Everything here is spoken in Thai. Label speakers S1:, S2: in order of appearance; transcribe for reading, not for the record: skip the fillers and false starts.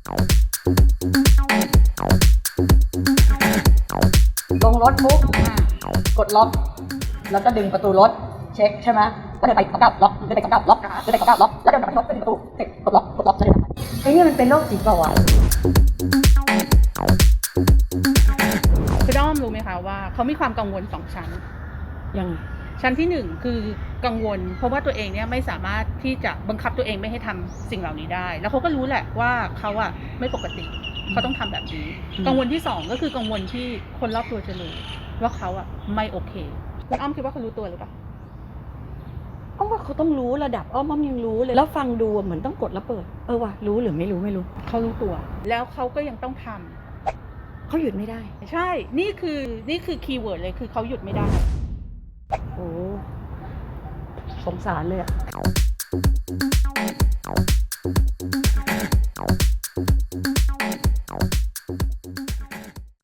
S1: ลงรถปุ๊บกดล็อกแล้วก็ดึงประตูรถเช็คใช่ไหมก็เดินไป99ล็อกเดินไป99ล็อกเดินไป99ล็อกแล้วเดินกลับไปที่รถเปิดประตูเสร็จกดล็อกแล้วเดินไปไอ้นี่มันเป็นโรคจิตเปล่าวะ
S2: คือด้อมรู้ไหมคะว่าเขามีความกังวล2ชั้น
S1: ยัง
S2: ชั้นที่1คือกังวลเพราะว่าตัวเองเนี่ยไม่สามารถที่จะบังคับตัวเองไม่ให้ทำสิ่งเหล่านี้ได้แล้วเขาก็รู้แหละว่าเขาอะไม่ปกติเขาต้องทำแบบนี้กังวลที่2ก็คือกังวลที่คนรอบตัวจะรู้ว่าเขาอะไม่โอเคคุณอ้อมคิดว่าเขารู้ตัวหรือเปล่า
S1: อ้อมว่าเขาต้องรู้ระดับอ้อมยังรู้เลยแล้วฟังดูเหมือนต้องกดแล้วเปิดว่ะรู้หรือไม่รู้
S2: เขารู้ตัวแล้วเขาก็ยังต้องทำ
S1: เขาหยุดไม่ได้
S2: ใช่นี่คือคีย์เวิร์ดเลยคือเขาหยุดไม่ได้
S1: โอ้สงสารเลยอะ